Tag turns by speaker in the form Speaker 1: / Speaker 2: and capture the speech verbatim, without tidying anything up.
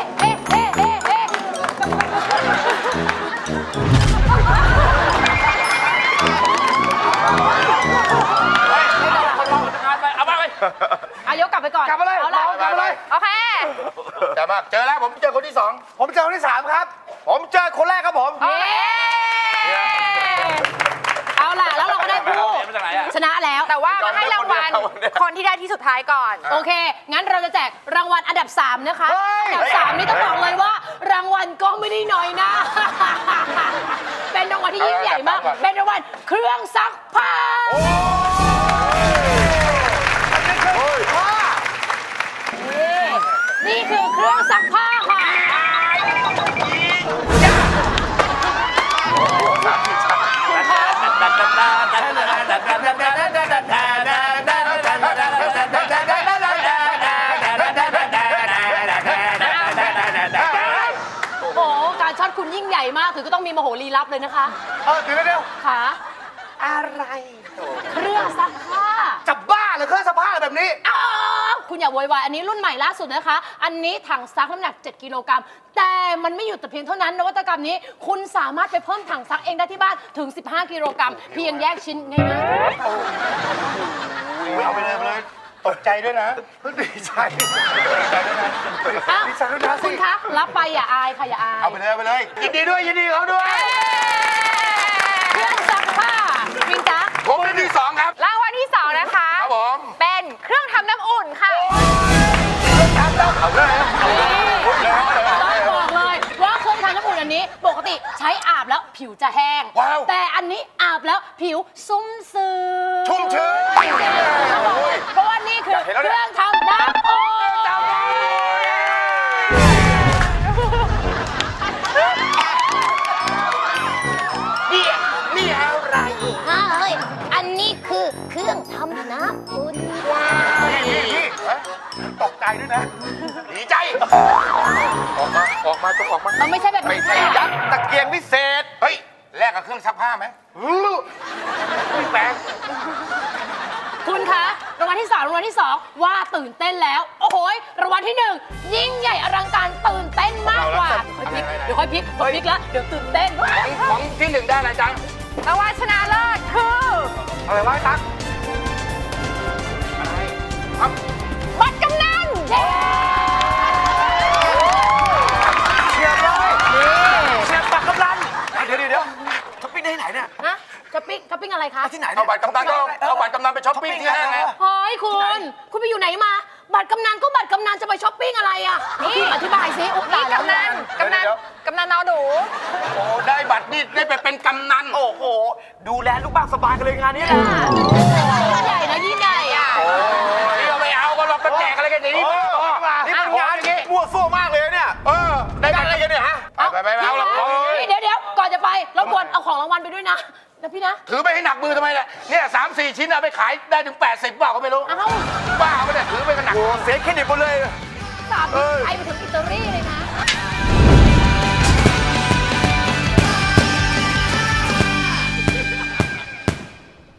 Speaker 1: เอ๊ะเอ๊ะเอ๊ะเอ๊ะ
Speaker 2: เอามาไป
Speaker 1: เอายกกลับไปก่อน
Speaker 3: กลับมาเลย
Speaker 1: เอาละ
Speaker 3: กลับมาเลย
Speaker 4: โอเค
Speaker 3: แต่มากเจอแล้วผมเจอคนที่สอง
Speaker 5: ผมเจอคนที่สามครับผมเจอคนแรกครับผม
Speaker 1: เย้เอาล่ะ แล้วเราก็ได้ผู้
Speaker 2: เสียมาจากไหนอะ
Speaker 1: ชนะแล้ว
Speaker 4: แต่ว่ามาให้รางวัล
Speaker 5: ยอมได้คนเดียว
Speaker 4: คนที่ได้ที่สุดท้ายก่อน
Speaker 1: โอเค งั้นเราจะแจกรางวัลอันดับ สาม นะคะ
Speaker 5: เฮ้ย
Speaker 1: อันดับ สาม นี่ต้องบอกเลยว่า รางวัลก็ไม่ได้น้อยนะ เป็นรางวัลที่ยิ่งใหญ่มาก เป็นรางวัลเครื่องซักผ้า นี่คือเครื่องซักผ้าค่ะ โอ้โห การช็อตคุณยิ่งใหญ่มาก ถึงก็ต้องมีมโหรีลับเลยนะคะ
Speaker 5: เออเดี๋ยวเดี๋ยว
Speaker 1: ค่ะ
Speaker 5: อะไร
Speaker 1: เครื่องซักผ้า
Speaker 5: จะบ้าเหรือเครื่องซักผ้าแบบนี้
Speaker 1: อ้าวคุณอย่าโวยวายอันนี้รุ่นใหม่ล่าสุดนะคะ อันนี้ถังซักน้ำหนัก เจ็ด กิโลกรัม แต่มันไม่หยุดแต่เพียงเท่านั้น นวัตกรรมนี้คุณสามารถไปเพิ่มถังซักเองได้ที่บ้านถึง สิบห้า กิโลกรัม เพียงแยกชิ้นง่ายๆ
Speaker 5: เอาไปเลยไปเลย ตกใจด้วยนะ ดีใจดีใจด้วยนะ
Speaker 1: อ้าว
Speaker 5: ดีใจด้วยนะ
Speaker 1: คุ
Speaker 5: สิ
Speaker 1: ณคะรับไปอย่าอายค่ะอย่าอาย
Speaker 5: เอาไปเลยเอาไปเลย ยินดีด้วยยินดีเขาด้วย
Speaker 1: เครื่องซักผ้าวินจ๊ะ
Speaker 5: ผมเป็นที่สองครับ
Speaker 4: รางวัลที่สองนะคะ
Speaker 5: ครับผม
Speaker 4: เป็นเครื่องทำน้ำอุ่นค่ะ
Speaker 5: เอาเลย
Speaker 1: ต้องบอกเลยว่าเครื่องทำน้ำอุ่นอันนี้ปกติใช้อาบแล้วผิวจะแห้ง
Speaker 5: ว้าว
Speaker 1: แต่อันนี้อาบแล้วผิวซุ้มซื่อ
Speaker 5: ชุ่มชื้น
Speaker 1: เพราะว่านี่คือ
Speaker 5: อยากเห็นแล้ว
Speaker 1: เค
Speaker 5: เนี่ย
Speaker 1: รื่องทำน้ำอุ่น
Speaker 5: นี่นี่อะไร
Speaker 1: เฮ้ยอันนี้คือเครื่องทำน้ำอุ่น
Speaker 5: นี่นี่นี่เฮ้ยตกใจด้วยนะ ดีใจ ออกมา ออกมาต้องออกมา
Speaker 1: มันไม่ใช่แบบ
Speaker 5: ไม่
Speaker 1: นี้
Speaker 5: ใช่ยัดตะเกียงพิเศษ เฮ้ย แลกกับเครื่องซักผ้าไหมไม่แปลง
Speaker 1: คุณคะรางวัลที่สองรางวัลที่สองว่าตื่นเต้นแล้ว โอ้โหยรางวัลที่หนึ่งยิ่งใหญ่อลังการตื่นเต้นมากกว่าเดี๋ยวค่อยพลิกเดี๋ยวค่อยพลิกแล้วเดี๋ยวตื่นเต้น
Speaker 5: ของที่หนึ่งได้อะไรจัง
Speaker 4: รางวัลชนะเลิศคือ
Speaker 5: อะไรวะตั๊ก
Speaker 4: บัตรกำนัน
Speaker 5: เชียร์เลยเชียร์ปักกำลังเดี๋ยวเดี๋ยวเดี๋ยวช้อปปิ้งได้ที่ไหนเนี่ย
Speaker 1: ฮะช้อปปิ้งช้อปปิ้งอะไรคะ
Speaker 5: ที่ไหนเอาบัตรกำนันก็เอาบัตรกำนันไปช้อปปิ้งที่ห้างไง
Speaker 1: เฮ้ยคุณ คุณไปอยู่ไหนมา บัตรกำนันก็บัตรกำนันจะไปช้อปปิ้งอะไรอ่ะนี่อธิบายสิอุ๊ยตาย
Speaker 4: นี่
Speaker 1: แล้ว
Speaker 4: กำนันกำนันกำนันนอหนู
Speaker 5: โอ้ได้บัตรนี่ได้ไปเป็นกำนัน โอ้โห ดูแลลูกบ้านสบายกันเลยงานนี้แหละ
Speaker 1: ยิ่งใหญ่นะยิ่งใหญ่อ่ะ
Speaker 5: นี่เราไม่เอาก็เราไปแจกอะไรกันอย่างนี้นี่เป็นงานอย่างนี้มั่วซั่วมากเลยเนี่ย เออ ได้บัตรอะไรกันเนี่ยฮะ ไปไปเอาละ
Speaker 1: นี่เดี๋ยวเดี๋ยวก่อนจะไปรบกวนเอาของรางวัลไปด้วยนะนะพี่นะ
Speaker 5: ถือไปให้หนักมือทำไมเนี่ยเนี่ยสามสี่ชิ้นเอาไปขายได้ถึงแปดสิบเปล่าก็ไม่รู้
Speaker 1: เอ้า
Speaker 5: บ้าไม่ได้ถือไปกันหนักเสียเครดิตหมดเลย
Speaker 1: สามไปไปถึงอิตาลีเลยนะ